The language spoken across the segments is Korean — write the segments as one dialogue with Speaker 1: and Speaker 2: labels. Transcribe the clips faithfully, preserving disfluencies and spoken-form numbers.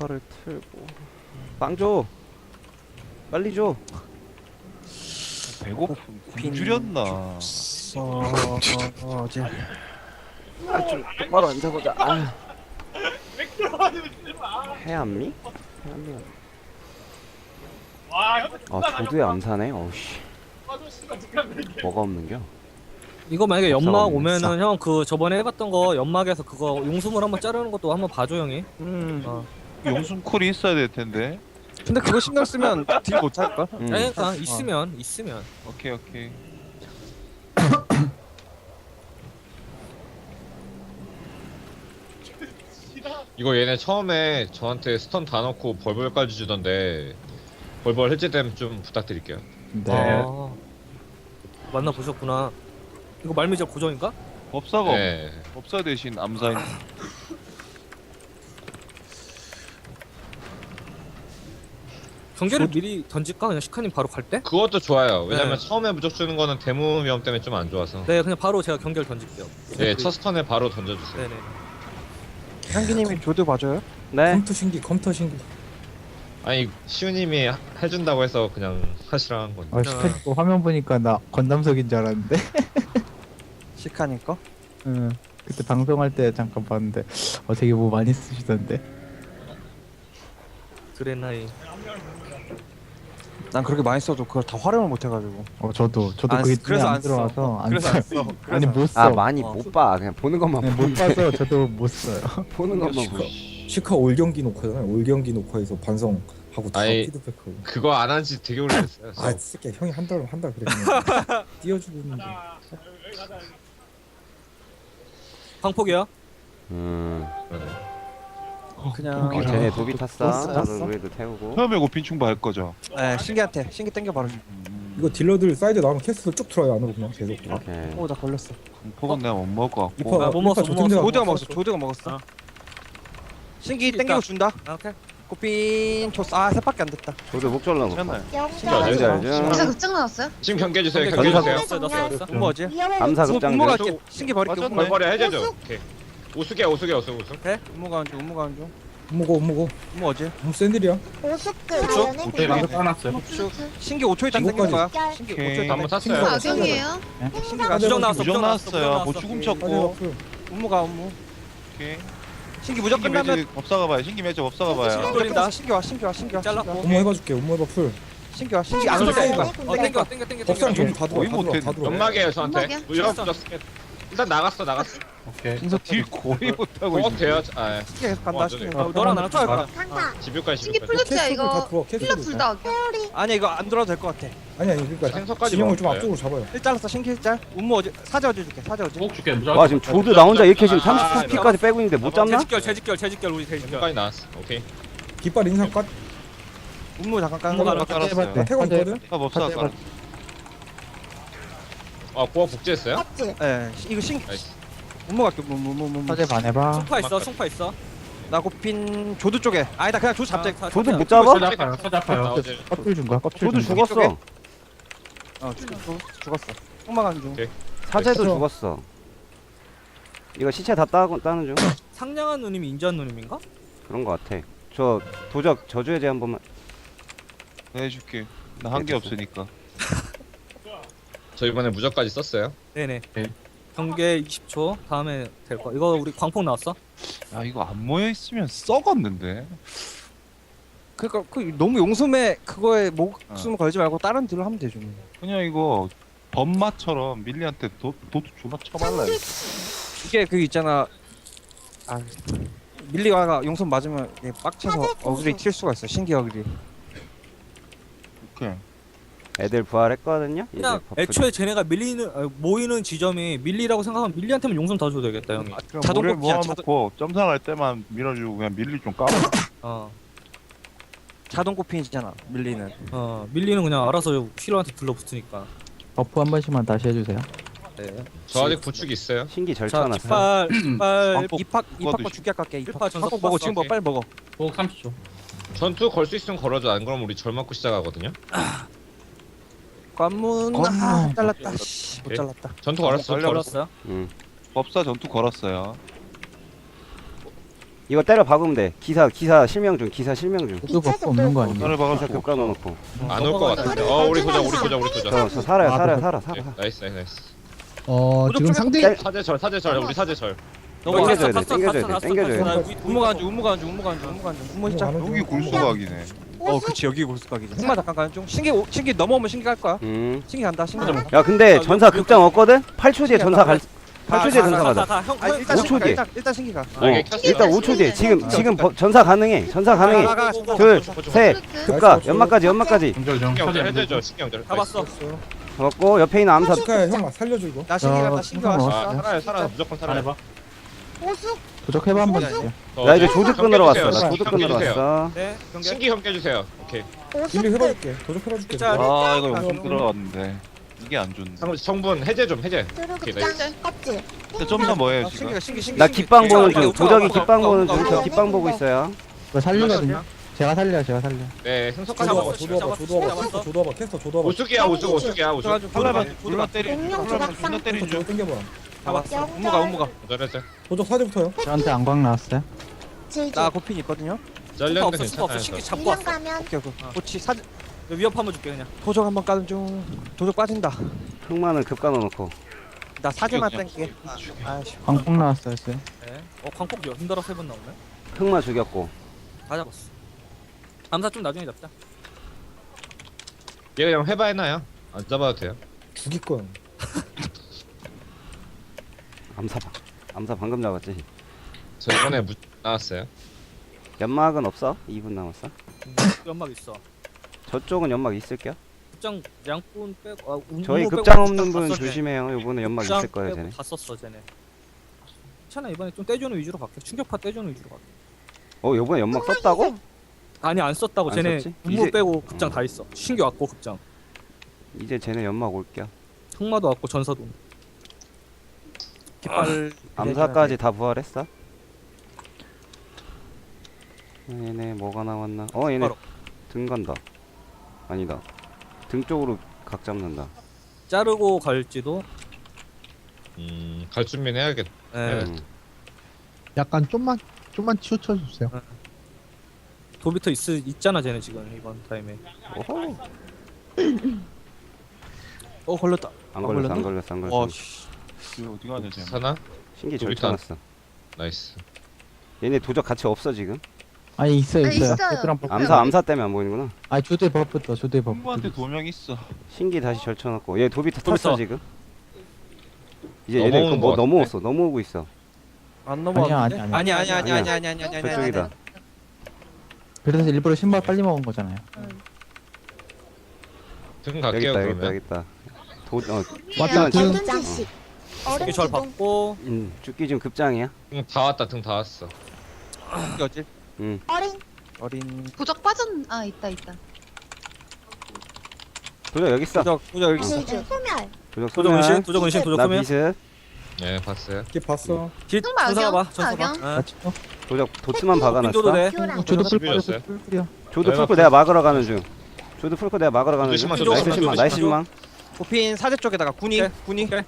Speaker 1: 스피커를 틀고 빵 줘. 빨리 줘.
Speaker 2: 배고프 굶주렸나?
Speaker 3: 어, 어, 어제
Speaker 1: 아좀 똑바로 앉아보자. 아. 해암미? 해암미. 아 조드의 암사네. 어우씨. 뭐가 없는겨?
Speaker 4: 이거 만약에
Speaker 1: 없어,
Speaker 4: 연막
Speaker 1: 없네.
Speaker 4: 오면은 형 그 저번에 해봤던 거 연막에서 그거 용수물 한번 자르는 것도 한번 봐줘 형이.
Speaker 3: 음.
Speaker 4: 어.
Speaker 2: 용순쿨이 있어야 될 텐데.
Speaker 3: 근데 그거 신경 쓰면 딜 못 할걸?
Speaker 1: 음.
Speaker 4: 그러니까 있으면 있으면.
Speaker 2: 오케이 오케이.
Speaker 5: 이거 얘네 처음에 저한테 스턴 다 넣고 벌벌까지 주던데 벌벌 해제되면 좀 부탁드릴게요.
Speaker 6: 네.
Speaker 4: 아, 만나 보셨구나. 이거 말미잘 고정인가?
Speaker 2: 법사가 없-
Speaker 5: 네.
Speaker 2: 법사 대신 암사인.
Speaker 4: 경계를 미리 던질까? 그냥 시카님 바로 갈 때?
Speaker 5: 그것도 좋아요. 왜냐면
Speaker 4: 네.
Speaker 5: 처음에 무적 주는 거는 대무 위험 때문에 좀 안 좋아서.
Speaker 4: 네, 그냥 바로 제가 경계를 던질게요.
Speaker 5: 네, 첫 스턴에 바로 던져주세요.
Speaker 4: 네네.
Speaker 3: 향기님이 조드 봐줘요?
Speaker 1: 네.
Speaker 6: 컴퓨터 신기 컴퓨터 신기.
Speaker 5: 아니 시우님이 하- 해준다고 해서 그냥 하시라는 건데.
Speaker 6: 아 시카니까 화면 보니까 나 건담석인 줄 알았는데.
Speaker 3: 시카님 거?
Speaker 6: 응. 그때 방송할 때 잠깐 봤는데 어 되게 뭐 많이 쓰시던데.
Speaker 4: 드레나이.
Speaker 3: 난 그렇게 많이 써도 그걸 다 활용을 못 해가지고.
Speaker 6: 어 저도 저도
Speaker 3: 안
Speaker 6: 그게
Speaker 3: 쓰- 그래서
Speaker 6: 눈에 안
Speaker 3: 안 써.
Speaker 6: 들어와서 안
Speaker 3: 그래서
Speaker 6: 써요.
Speaker 3: 안 써.
Speaker 6: 아니 못 써.
Speaker 1: 아 많이
Speaker 4: 어.
Speaker 1: 못 봐. 그냥 보는 것만
Speaker 6: 네, 못 봐서 저도 못 써요.
Speaker 1: 보는 것만
Speaker 7: 시카,
Speaker 1: 보고.
Speaker 7: 시카 올 경기 녹화잖아요. 올 경기 녹화에서 반성하고 다
Speaker 5: 아이,
Speaker 7: 피드백하고.
Speaker 5: 그거 안 한 지 되게 오래됐어요.
Speaker 7: 아, 새끼 형이 한 달 한 달 그랬는데 띄워주고 있는데.
Speaker 4: 방폭이야?
Speaker 1: 음.
Speaker 3: 그냥
Speaker 1: 어, 쟤네 도비 탔어.
Speaker 3: 탔어?
Speaker 1: 저도 우리도 태우고.
Speaker 2: 처음에 고핀충바 할 거죠.
Speaker 3: 네, 신기한테 신기 땡겨 바로.
Speaker 7: 이거 딜러들 사이드 나오면 캐스트 쭉 들어요 안으로 그냥 계속.
Speaker 1: 오케이.
Speaker 3: 오, 나 걸렸어.
Speaker 2: 폭은 내가 못 먹을 것
Speaker 7: 이파
Speaker 2: 같고.
Speaker 4: 아, 못 먹었어, 못 먹었어.
Speaker 3: 조드가 먹었어. 조드가 먹었어.
Speaker 4: 어.
Speaker 3: 신기
Speaker 4: 있다.
Speaker 3: 땡기고 준다.
Speaker 4: 아, 오케이.
Speaker 3: 꽃핀 줬어. 아, 셋밖에 안 됐다.
Speaker 1: 저도 목줄 넣어.
Speaker 2: 괜찮아요.
Speaker 1: 알죠
Speaker 8: 여기서
Speaker 1: 알죠.
Speaker 8: 급증 나왔어요?
Speaker 5: 지금 경계 주세요.
Speaker 4: 경계
Speaker 5: 경계
Speaker 1: 경계
Speaker 5: 주세요.
Speaker 4: 넣었어, 넣었어, 넣었어.
Speaker 3: 음모 어제?
Speaker 1: 암사
Speaker 3: 음모
Speaker 1: 급장.
Speaker 3: 갈게. 신기 버릴게.
Speaker 2: 맞았네.
Speaker 3: 음모.
Speaker 5: 벌벌에 해제죠. 오케이. 우수게 우수게 우수 우수.
Speaker 3: 음모 가는 중. 음모 가는 중.
Speaker 7: 먹어 먹어.
Speaker 3: 음모 어제?
Speaker 7: 너무 센 딜이야.
Speaker 3: 신기 오 초 있다 땡길 거야. 신기 오 초
Speaker 2: 오케이.
Speaker 3: 있다.
Speaker 5: 한번
Speaker 3: 땡길
Speaker 5: 탔어요.
Speaker 3: 거야.
Speaker 8: 악용이에요?
Speaker 3: 신기가
Speaker 4: 부정 나왔어,
Speaker 2: 부정
Speaker 4: 부정 나왔어,
Speaker 2: 나왔어요.
Speaker 4: 부정
Speaker 2: 뭐
Speaker 4: 나왔어.
Speaker 2: 죽음
Speaker 7: 빠져
Speaker 2: 쳤고.
Speaker 7: 앞으로.
Speaker 3: 음모가 음모.
Speaker 2: 오케이.
Speaker 3: 신기 무적
Speaker 2: 신기
Speaker 3: 끝나면
Speaker 2: 매직 법사가 봐요. 신기 매직 법사가 봐요.
Speaker 3: 신기 돌린다. 신기 와. 신기 와. 신기 와.
Speaker 4: 잘랐고.
Speaker 7: 엄마 해봐줄게. 엄마 해봐 풀.
Speaker 3: 신기 와. 신기 안
Speaker 4: 안
Speaker 3: 올
Speaker 4: 돼.
Speaker 3: 때.
Speaker 4: 어, 땡겨, 땡겨, 땡겨,
Speaker 7: 법상
Speaker 4: 땡겨.
Speaker 7: 전부 다 들어와.
Speaker 2: 거의
Speaker 7: 다 들어와. 다
Speaker 2: 못했네.
Speaker 7: 들어와.
Speaker 5: 연막이에요 저한테.
Speaker 8: 연막이야?
Speaker 5: 무적 무적. 일단 나갔어 나갔어.
Speaker 2: 진짜 딜 거의 못하고
Speaker 5: 어
Speaker 2: 있어.
Speaker 5: 돼요. 아,
Speaker 3: 신기 계속 간다.
Speaker 5: 어,
Speaker 3: 신기.
Speaker 5: 네.
Speaker 4: 어, 너랑 나랑 좀 가.
Speaker 5: 집유까지
Speaker 8: 신기
Speaker 5: 집유까지.
Speaker 8: 플러스야
Speaker 7: 캐스트들 다
Speaker 8: 이거.
Speaker 7: 들어와.
Speaker 8: 필러
Speaker 7: 캐스트들
Speaker 8: 둘
Speaker 7: 다.
Speaker 8: 다.
Speaker 3: 아니 이거 안 들어도 될 것 같아.
Speaker 7: 아니 아니 그러니까
Speaker 5: 생선까지
Speaker 7: 진영을 좀
Speaker 5: 먹어요.
Speaker 7: 앞쪽으로 잡아요.
Speaker 3: 일 잘랐어. 신기 일 잘. 음모 어제 사제 어제 줄게. 사제 어제.
Speaker 1: 와 지금 조드 나 혼자 이렇게 지금
Speaker 5: 아,
Speaker 1: 삼십 피까지 빼고 있는데 못 잡나?
Speaker 4: 재직결, 재직결, 재직결, 우리 재직결.
Speaker 5: 여기까지 나왔어. 오케이.
Speaker 7: 깃발 인상 까.
Speaker 3: 음모 잠깐 까는
Speaker 4: 음모
Speaker 3: 거.
Speaker 4: 가는
Speaker 2: 깔았어요.
Speaker 7: 나 태권 있거든.
Speaker 2: 아 법사가 깔았어.
Speaker 5: 아 고아 복제했어요?
Speaker 3: 예. 이거 신기.
Speaker 5: 나이스.
Speaker 3: 음모 갈게. 음모 음모 음모.
Speaker 6: 사제 반해봐.
Speaker 4: 송파 있어, 송파 있어.
Speaker 3: 나 고핀 조드 쪽에. 아니다 그냥 조드 잡자.
Speaker 4: 사-
Speaker 1: 조드
Speaker 4: 사-
Speaker 1: 못 잡아?
Speaker 5: 나오지.
Speaker 6: 껍질 준 거야. 껍질
Speaker 1: 조드
Speaker 6: 준 거야.
Speaker 1: 죽었어.
Speaker 3: 어 죽- 죽- 죽었어. 흑마간 중.
Speaker 5: 오케이.
Speaker 1: 사제도
Speaker 7: 됐어.
Speaker 1: 죽었어. 이거 시체 다 따, 따는 중.
Speaker 4: 상냥한 누님이 인자한 누님인가?
Speaker 1: 그런 거 같아. 저 도적 저주의 제 한 번만.
Speaker 2: 내가 해줄게. 나 한 게 없으니까.
Speaker 5: 저 이번에 무적까지 썼어요.
Speaker 4: 네네. 경계 이십 초 다음에 될 거. 이거 우리 광폭 나왔어?
Speaker 2: 아 이거 안 모여 있으면 썩었는데.
Speaker 3: 그러니까 그 너무 용숨에 그거에 목숨 걸지 말고 다른 딜로 하면 되죠.
Speaker 2: 그냥 이거 범마처럼 밀리한테 도, 도트 존나 쳐발라.
Speaker 3: 이게 그 있잖아. 아 밀리와가 용숨 맞으면 이게 빡쳐서 어그리 튈 수가 있어. 신기 어그리.
Speaker 2: 오케이.
Speaker 1: 애들 부활했거든요. 이제
Speaker 4: 그냥
Speaker 1: 버프-
Speaker 4: 애초에 쟤네가 밀리는 아, 모이는 지점이 밀리라고 생각하면 밀리한테만 용선 더 줘도 되겠다 형이.
Speaker 3: 자동
Speaker 2: 자동
Speaker 3: 뽑기야,
Speaker 2: 모아놓고 점상할 때만 밀어주고 그냥 밀리 좀 까봐.
Speaker 4: 어,
Speaker 3: 자동 코핀이잖아. 밀리는.
Speaker 4: 어 밀리는 그냥 알아서 힐러한테 들러붙으니까.
Speaker 6: 버프 한 번씩만 다시 해주세요.
Speaker 4: 네.
Speaker 5: 저 아직 부축 있어요.
Speaker 1: 신기
Speaker 4: 자,
Speaker 1: 절차놨어.
Speaker 4: 깃발, 깃발.
Speaker 2: 광폭
Speaker 3: 이팍
Speaker 2: 그거
Speaker 3: 이팍 거
Speaker 2: 드시-
Speaker 3: 죽게 깎게. 이팍
Speaker 4: 일파 전석
Speaker 3: 팍 먹어.
Speaker 4: 봤어,
Speaker 3: 지금 먹어.
Speaker 5: 오케이.
Speaker 3: 빨리 먹어.
Speaker 5: 전투 걸 수 있으면 걸어줘. 안 그러면 우리 절 맞고 시작하거든요.
Speaker 3: 관문.
Speaker 6: 관문.
Speaker 3: 아 잘랐다. 씨, 못
Speaker 5: 오케이.
Speaker 3: 잘랐다.
Speaker 5: 전투 걸었어.
Speaker 2: 걸려.
Speaker 4: 걸었어요?
Speaker 1: 응.
Speaker 2: 법사 전투 걸었어요.
Speaker 1: 이거 때려 박으면 돼. 기사 기사 실명 중. 기사 실명 중.
Speaker 6: 저도 버프 없는 거 아니에요?
Speaker 2: 나를
Speaker 1: 기사
Speaker 2: 박아서
Speaker 1: 급 까놓고.
Speaker 5: 안 올 것 같은데. 어 우리 보자 우리 보자 우리 보자.
Speaker 1: 저, 저 살아요
Speaker 6: 아,
Speaker 1: 살아요
Speaker 6: 그-
Speaker 1: 살아 살아.
Speaker 5: 네, 나이스 나이스 나이스.
Speaker 8: 어
Speaker 3: 무적
Speaker 8: 지금
Speaker 3: 쪽에서
Speaker 8: 상대
Speaker 1: 땡-
Speaker 5: 사제절 사제절 우리 사제절.
Speaker 3: 너무
Speaker 1: 땡겨줘야
Speaker 3: 다
Speaker 1: 돼,
Speaker 3: 썼어,
Speaker 1: 땡겨줘야
Speaker 3: 다
Speaker 1: 돼,
Speaker 3: 썼어,
Speaker 1: 땡겨줘야
Speaker 3: 다
Speaker 1: 돼.
Speaker 3: 썼어. 우무가 안주 우무가 안주 우무가 안주 우무가 안주 우무 시작.
Speaker 2: 여기 골수각이네.
Speaker 3: 어 그치 여기 골수각이지. 흑마 잠깐 가는 중. 신기 오- 신기 넘어오면 신기 갈 거야.
Speaker 1: 음.
Speaker 3: 신기 간다. 신기 간다.
Speaker 1: 야 근데 전사 급장 없거든? 팔 초 뒤에 전사 갈 팔 초 뒤에 전사 가자.
Speaker 3: 형
Speaker 1: 아니,
Speaker 3: 일단
Speaker 1: 오 초
Speaker 3: 신기 가,
Speaker 1: 뒤에.
Speaker 3: 일단 일단 신기 가.
Speaker 1: 어.
Speaker 5: 이게 켰어.
Speaker 1: 일단 오 초 뒤에. 지금 지금 버- 전사 가능해. 전사 가능해.
Speaker 3: 가, 가, 가.
Speaker 1: 둘, 셋, 급가,
Speaker 7: 나이스.
Speaker 1: 연막까지, 연막까지.
Speaker 5: 신경절 해제절 신경절.
Speaker 3: 잡았어.
Speaker 1: 잡았고 옆에 있는 암사.
Speaker 7: 축하해 형 살려줘 이거.
Speaker 3: 나 신기
Speaker 6: 어,
Speaker 3: 간다. 신기
Speaker 6: 어,
Speaker 3: 왔어.
Speaker 5: 아 살아요 살아 무조건 살아요.
Speaker 8: 보수
Speaker 6: 도적해봐 한번 주세요.
Speaker 1: 나 이제 조드 끊으러 왔어. 나
Speaker 5: 껴주세요.
Speaker 1: 조드 끊으러
Speaker 5: 껴주세요.
Speaker 1: 왔어.
Speaker 3: 네. 경계.
Speaker 5: 신기 형 깨주세요. 오케이.
Speaker 7: 빌리 해봐줄게. 도적 해봐줄게.
Speaker 3: 자,
Speaker 2: 아 이거 용성 들어갔는데 이게 안 좋네.
Speaker 5: 성- 성분 해제 좀 해제.
Speaker 8: 드루급장 껍질
Speaker 2: 근데 점사 뭐예요
Speaker 3: 아,
Speaker 2: 지금?
Speaker 3: 신기가 신기 신기.
Speaker 1: 나
Speaker 3: 신기.
Speaker 1: 깃방 보는
Speaker 3: 우가,
Speaker 1: 중.
Speaker 3: 우가,
Speaker 1: 도적이
Speaker 3: 우가,
Speaker 1: 깃방
Speaker 3: 우가,
Speaker 1: 보는
Speaker 3: 우가,
Speaker 1: 중. 저
Speaker 3: 우가.
Speaker 1: 깃방 보고 있어요.
Speaker 6: 이거 살리거든요. 제가 살려 제가 살려.
Speaker 5: 네 흥석까지
Speaker 7: 조도와봐
Speaker 5: 잡았어.
Speaker 7: 조도와봐 조도와봐 조도와봐 캐스터 조도와봐.
Speaker 5: 오수기야 오수 오수기야 오수.
Speaker 3: 그래가지고
Speaker 2: 팔라만
Speaker 3: 도둑
Speaker 2: 졸라 때리.
Speaker 8: 공룡
Speaker 2: 팔라만
Speaker 8: 조각상.
Speaker 2: 존나 때리는 중.
Speaker 7: 저거 땡겨봐.
Speaker 3: 잡았어. 우무가 우무가.
Speaker 5: 잘했어.
Speaker 7: 도적 사제부터요.
Speaker 6: 저한테 안광 나왔어요.
Speaker 8: 질질
Speaker 3: 나 고핀 있거든요. 스파
Speaker 5: 잘렸는데
Speaker 3: 없어 스파 없어.
Speaker 5: 괜찮아요.
Speaker 3: 신기
Speaker 5: 저.
Speaker 3: 잡고
Speaker 8: 인형
Speaker 3: 왔어.
Speaker 8: 가면
Speaker 3: 오케이 오케이. 고치 사저 위협 한번 줄게 그냥. 도적 한번 까는 중. 도적 빠진다.
Speaker 1: 흑마는 급가 넣어놓고.
Speaker 3: 나 사제만
Speaker 2: 그냥
Speaker 3: 땡게. 아씨.
Speaker 6: 광폭 나왔어요. 쎄.
Speaker 4: 네. 어 광폭 힘들어 세 번 나오네.
Speaker 1: 흑마 죽였고.
Speaker 4: 다 잡았어. 암사 좀 나중에 잡자.
Speaker 5: 얘 그냥 회바해놔요. 안 잡아도 돼요.
Speaker 7: 죽일 거야.
Speaker 1: 암사 방. 암사 방금 잡았지.
Speaker 5: 저 이번에 무 나왔어요.
Speaker 1: 연막은 없어? 이 분 남았어.
Speaker 4: 음, 연막 있어.
Speaker 1: 저쪽은 연막 있을게요?
Speaker 4: 급장 양꾼 빼고 아, 우-
Speaker 1: 저희
Speaker 4: 우무 빼고
Speaker 1: 급장
Speaker 4: 다
Speaker 1: 없는 분
Speaker 4: 썼네.
Speaker 1: 조심해요. 요번에 연막
Speaker 4: 급장
Speaker 1: 있을 거예요,
Speaker 4: 빼고
Speaker 1: 쟤네.
Speaker 4: 다 썼어 쟤네. 괜찮아 이번에 좀 떼주는 위주로 갈게. 충격파 떼주는 위주로 갈게.
Speaker 1: 어, 요번에 연막 썼다고?
Speaker 4: 아니 안 썼다고
Speaker 1: 안
Speaker 4: 쟤네
Speaker 1: 썼지?
Speaker 4: 우무
Speaker 1: 이제-
Speaker 4: 빼고 급장
Speaker 1: 어.
Speaker 4: 다 있어. 신규 왔고 급장.
Speaker 1: 이제 쟤네 연막 올게요.
Speaker 4: 흑마도 왔고 전사도.
Speaker 3: 깃발.
Speaker 1: 암사까지 다 부활했어? 얘네 뭐가 나왔나? 어, 얘네
Speaker 4: 바로.
Speaker 1: 등 간다. 아니다. 등 쪽으로 각 잡는다.
Speaker 4: 자르고 갈지도.
Speaker 5: 음갈 준비는 해야겠다.
Speaker 4: 예.
Speaker 1: 음.
Speaker 8: 약간 좀만 좀만 치우쳐 주세요.
Speaker 4: 도비터 있 있잖아 쟤네 지금 이번 타임에.
Speaker 1: 오호.
Speaker 3: 어 걸렸다.
Speaker 1: 안
Speaker 3: 아,
Speaker 1: 걸렸어, 안
Speaker 3: 걸렸나?
Speaker 1: 걸렸어, 안 걸렸어.
Speaker 3: 와 씨.
Speaker 2: 이거 어디 가야 되지?
Speaker 5: 사나?
Speaker 1: 신기
Speaker 5: 저기
Speaker 1: 절쳐놨어.
Speaker 5: 나이스.
Speaker 1: 얘네 도적 같이 없어 지금.
Speaker 6: 아니 있어요
Speaker 8: 아,
Speaker 6: 있어요.
Speaker 8: 있어요.
Speaker 6: 베테랑 버프.
Speaker 1: 암사 암사 때문에 안 보이는구나.
Speaker 6: 아니 조대 버프부터 조대 버프.
Speaker 2: 친구한테 도명 있어.
Speaker 1: 신기 다시 절쳐놨고. 얘 도비터 탔어
Speaker 4: 도비터.
Speaker 1: 지금. 이제 얘네
Speaker 5: 넘어오는
Speaker 1: 그뭐
Speaker 5: 것
Speaker 1: 넘어왔어. 넘어오고 있어.
Speaker 3: 안
Speaker 6: 아니야 아니
Speaker 3: 넘어왔는데?
Speaker 6: 아니.
Speaker 3: 아니 아니 아니
Speaker 1: 아니야.
Speaker 3: 아니 아니 아니 아니 아니.
Speaker 1: 저쪽이다.
Speaker 6: 그래서 일부러 신발 빨리 먹은 거잖아요.
Speaker 5: 등
Speaker 1: 여기
Speaker 5: 갈게요
Speaker 1: 있다, 여기 있다,
Speaker 5: 그러면.
Speaker 1: 여기 있다. 도, 어,
Speaker 8: 맞다.
Speaker 1: 등,
Speaker 8: 전투식
Speaker 4: 이게
Speaker 8: 얼음
Speaker 4: 절
Speaker 8: 기둥
Speaker 4: 받고
Speaker 1: 음, 죽기 지금 급장이야.
Speaker 5: 등 다 왔다 등 다 왔어.
Speaker 3: 어질
Speaker 1: 음,
Speaker 8: 어린
Speaker 3: 어린
Speaker 9: 부적 빠진 아 있다 있다.
Speaker 1: 도적 여기 있어.
Speaker 3: 도적 도적 여기 있어.
Speaker 8: 질질 소멸
Speaker 1: 도적
Speaker 4: 도적 은신
Speaker 1: 소멸.
Speaker 4: 도적 은신 도적
Speaker 1: 나
Speaker 4: 소멸.
Speaker 1: 비스.
Speaker 5: 네 봤어요.
Speaker 7: 걔 봤어.
Speaker 4: 길
Speaker 9: 흑마
Speaker 4: 전사 봐
Speaker 9: 악영,
Speaker 4: 전사 봐.
Speaker 9: 악영.
Speaker 4: 어.
Speaker 6: 같이 어?
Speaker 1: 도적 도트만
Speaker 4: 윈도도
Speaker 1: 박아놨어.
Speaker 4: 돼.
Speaker 8: 교랑
Speaker 6: 조드 풀
Speaker 5: 준비됐어요?
Speaker 6: 뿌려 풀 뿌려.
Speaker 1: 조드
Speaker 5: 내가
Speaker 1: 풀고 내가 막으러 가는 중. 조드 풀고 내가 막으러 가는 중.
Speaker 5: 조심하,
Speaker 1: 나이스
Speaker 4: 조심하,
Speaker 1: 신망, 나이스
Speaker 4: 조심하.
Speaker 1: 신망.
Speaker 3: 고핀 사제 쪽에다가 군이
Speaker 4: 오케이.
Speaker 3: 군이.
Speaker 4: 오케이.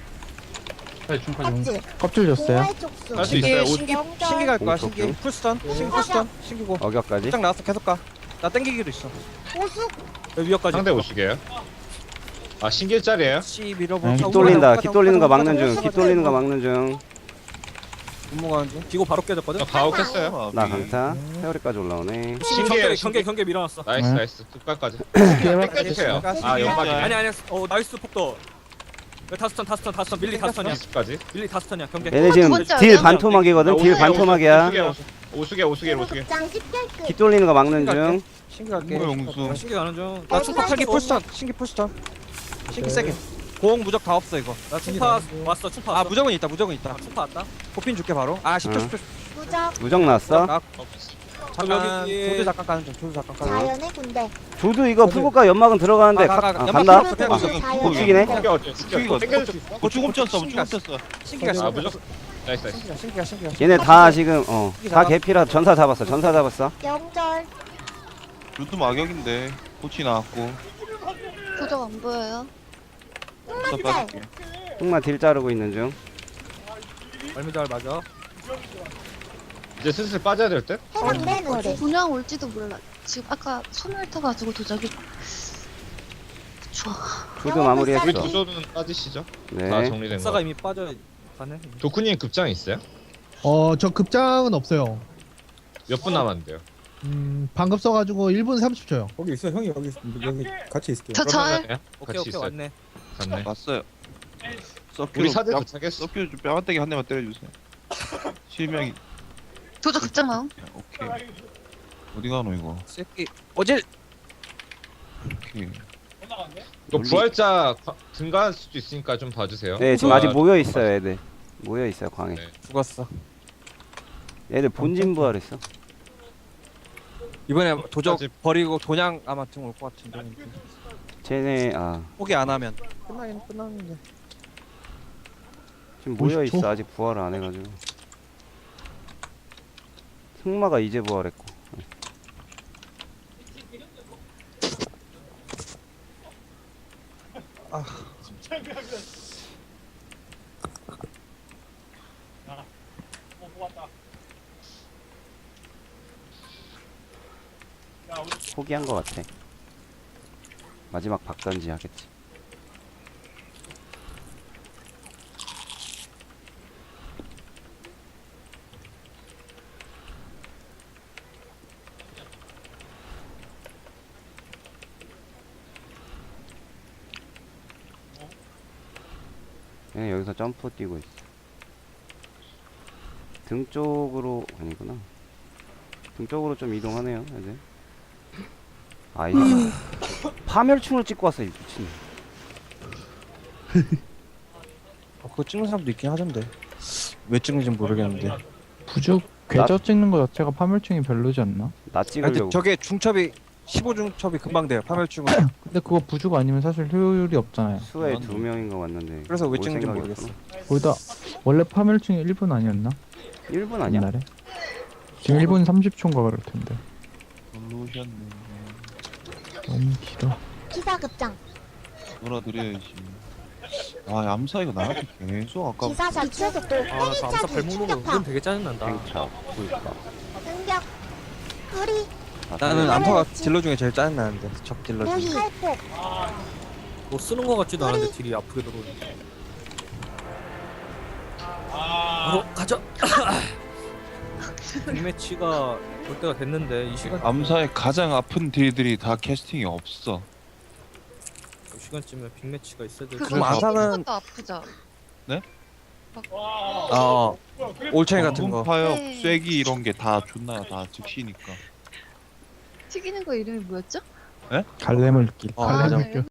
Speaker 8: 껍질
Speaker 6: 껍질 줬어요.
Speaker 8: 공활 촉수
Speaker 5: 할 수 있어요.
Speaker 3: 신기 신기
Speaker 8: 명절.
Speaker 3: 신기 갈 거야
Speaker 1: 오케이,
Speaker 3: 신기.
Speaker 1: 오케이.
Speaker 3: 풀스턴 신기 풀스턴 신기고.
Speaker 1: 어격까지.
Speaker 3: 급장 나왔어 계속 가. 나 땡기기도 있어.
Speaker 8: 보수
Speaker 4: 여기 위협까지.
Speaker 5: 상대 오시게요. 아 신길짜리예요?
Speaker 3: 씨 밀어보.
Speaker 6: 아,
Speaker 1: 깃 돌린다. 깃 돌리는 거 막는 중. 깃 돌리는 거 막는 중.
Speaker 3: 분모가는 중.
Speaker 4: 기고 바로 깨졌거든.
Speaker 5: 저 가혹했어요.
Speaker 1: 나 강타. 세월이까지 올라오네.
Speaker 5: 신기해요,
Speaker 4: 경계
Speaker 5: 신기.
Speaker 4: 경계 경계 밀어놨어.
Speaker 5: 나이스
Speaker 6: 네.
Speaker 5: 나이스. 끝까지.
Speaker 6: 해봐.
Speaker 5: 땡겨주세요. 아
Speaker 2: 신기.
Speaker 5: 연막이네.
Speaker 4: 아니 아니 어 나이스 폭도. 여기 다스턴 다스턴 다스턴 밀리 다스턴이야.
Speaker 5: 나이스까지.
Speaker 4: 밀리 다스턴이야 경계.
Speaker 1: 얘네 지금
Speaker 9: 두 번째
Speaker 1: 딜
Speaker 9: 어디야?
Speaker 1: 반토막이거든. 딜 반토막이야.
Speaker 5: 오수게 오수게 오수게.
Speaker 8: 드루급장 십결급
Speaker 1: 깃 돌리는 거 막는 중.
Speaker 3: 신기 갈게.
Speaker 2: 뭐 용수.
Speaker 4: 신기 가는 중.
Speaker 3: 나 충파 팔기 풀스턴 신기 풀스턴. 신기 세게. 고공 무적 다 없어 이거.
Speaker 4: 나 충파 왔어 충파
Speaker 3: 아
Speaker 4: 왔어.
Speaker 3: 무적은 있다 무적은 있다.
Speaker 4: 아, 충파 왔다.
Speaker 3: 고핀 줄게 바로. 아 십 초
Speaker 1: 응.
Speaker 3: 십 초.
Speaker 8: 무적
Speaker 1: 무적 났어.
Speaker 3: 잠깐
Speaker 4: 여기-
Speaker 3: 조드 잠깐 가는 중. 조드 잠깐 가는 중.
Speaker 8: 자연의 군대
Speaker 1: 조드 이거 풀고가 연막은 들어가는데
Speaker 3: 가,
Speaker 1: 가,
Speaker 3: 가,
Speaker 1: 아,
Speaker 3: 가.
Speaker 1: 간다.
Speaker 3: 연막
Speaker 8: 드루급장
Speaker 3: 아,
Speaker 8: 자연의
Speaker 1: 고치기네.
Speaker 8: 군대.
Speaker 5: 땡겨 땡겨줄 수 있어.
Speaker 2: 어 죽음 쳤어. 죽음 쳤어.
Speaker 3: 신기가
Speaker 5: 아 무조건. 나이스 나이스.
Speaker 3: 신기가 신기가 신기가.
Speaker 1: 얘네 다 지금 어다 개피라 전사 잡았어. 전사 잡았어.
Speaker 8: 명절
Speaker 2: 루트 마격인데 코치 나왔고.
Speaker 9: 부적 안 보여요.
Speaker 2: 더 빠질게.
Speaker 1: 흑마 딜 자르고 있는 중.
Speaker 4: 얼미잘 맞아.
Speaker 5: 이제 슬슬 빠져야 될 듯?
Speaker 9: 분양 올지도 몰라. 지금 아까 소멸 타가지고 도적이 좋아.
Speaker 1: 조드
Speaker 5: 우리
Speaker 1: 마무리했어.
Speaker 5: 도전은 빠지시죠? 다
Speaker 1: 네.
Speaker 5: 정리된
Speaker 4: 역사가
Speaker 5: 거.
Speaker 4: 이미 빠져 가네.
Speaker 5: 도쿠님 급장 있어요?
Speaker 8: 어, 저 급장은 없어요.
Speaker 5: 몇 분 남았는데요?
Speaker 8: 음, 방금 써가지고 일 분 삼십 초요.
Speaker 7: 거기 있어 형이 여기 있- 여기 같이 있을게요.
Speaker 9: 저 절.
Speaker 5: 그러면은
Speaker 4: 오케이
Speaker 5: 같이
Speaker 4: 오케이
Speaker 5: 있어요.
Speaker 4: 왔네.
Speaker 5: 갔네.
Speaker 2: 왔어요.
Speaker 5: 우리
Speaker 2: 서큐로
Speaker 5: 사들
Speaker 2: 뺨-
Speaker 5: 도착했어.
Speaker 2: 서큐로 좀 뺨한대기 한 대만 때려주세요. 실명이
Speaker 9: 도적 급장 나옴.
Speaker 2: 오케이. 어디 가노 이거?
Speaker 3: 새끼 어질.
Speaker 2: 오케이.
Speaker 5: 이거 부활자 과- 증가할 수도 있으니까 좀 봐주세요.
Speaker 1: 네, 지금
Speaker 5: 아,
Speaker 1: 아직 모여 있어요, 애들. 모여 있어요, 광에.
Speaker 5: 네.
Speaker 3: 죽었어.
Speaker 1: 애들 본진 부활했어.
Speaker 3: 이번에 도적
Speaker 5: 아직-
Speaker 3: 버리고 돈양 아마 등 올 것 같은데.
Speaker 1: 쟤네 아
Speaker 3: 포기 안 하면 끝나긴 끝났는데.
Speaker 1: 지금 모여
Speaker 8: 오십 초?
Speaker 1: 있어. 아직 부활을 안 해가지고. 승마가 이제 부활했고. 포기한 것 같아. 마지막 박던지 하겠지. 얘 여기서 점프 뛰고 있어. 등 쪽으로 아니구나. 등 쪽으로 좀 이동하네요, 애들. 아이 파멸충을 찍고 왔어, 이 미친.
Speaker 3: 어, 그거 찍는 사람도 있긴 하던데. 왜 찍는지 모르겠는데.
Speaker 6: 부죽 궤저 찍는 거 자체가 파멸충이 별로지 않나?
Speaker 1: 나
Speaker 3: 아, 근데
Speaker 1: 찍으려고.
Speaker 3: 저게 중첩이 십오 중첩이 금방 돼요. 파멸충은.
Speaker 6: 근데 그거 부죽 아니면 사실 효율이 없잖아요.
Speaker 1: 수에 두 명인 거 같는데.
Speaker 3: 그래서 왜
Speaker 1: 올
Speaker 3: 찍는지
Speaker 1: 생각이
Speaker 3: 모르겠어.
Speaker 1: 없구나.
Speaker 6: 거기다 원래 파멸충이 일 분 아니었나?
Speaker 1: 일 분 아니야?
Speaker 6: 옛날에? 지금 일 분 삼십 초인가 그럴 텐데.
Speaker 2: 놀러 오셨네.
Speaker 6: 너무 길어.
Speaker 10: 기사급장,
Speaker 2: 놀아드려야지. 아 암사 이거 나한테 계속 아까
Speaker 10: 기사사 기초속도,
Speaker 4: 아, 저 암사 발목록은 은근 되게 짜증난다.
Speaker 1: 행차, 불가.
Speaker 10: 응격, 뿌리,
Speaker 3: 나는 암사가 딜러 중에 제일 짜증나는데. 적 딜러
Speaker 10: 무희,
Speaker 3: 중에.
Speaker 10: 칼폭,
Speaker 4: 뭐 쓰는 거 같지도 않은데 딜이 아프게 들어오네. 바로 가자. 빅매치가 올 때가 됐는데 이 시간
Speaker 2: 암사의 가장 아픈 딜들이 다 캐스팅이 없어.
Speaker 4: 이 시간쯤에 빅매치가 있어야 될
Speaker 9: 그거
Speaker 3: 그럼
Speaker 9: 아프는
Speaker 3: 암사는-
Speaker 9: 것도 아프죠.
Speaker 3: 어. 올챙이 같은 거.
Speaker 2: 파역,
Speaker 9: 네.
Speaker 2: 쐐기 이런 게 다 존나 다 즉시니까.
Speaker 9: 튀기는 거 이름이 뭐였죠?
Speaker 6: 갈래물길.
Speaker 3: 어,
Speaker 6: 갈래물길.
Speaker 9: 맞아요.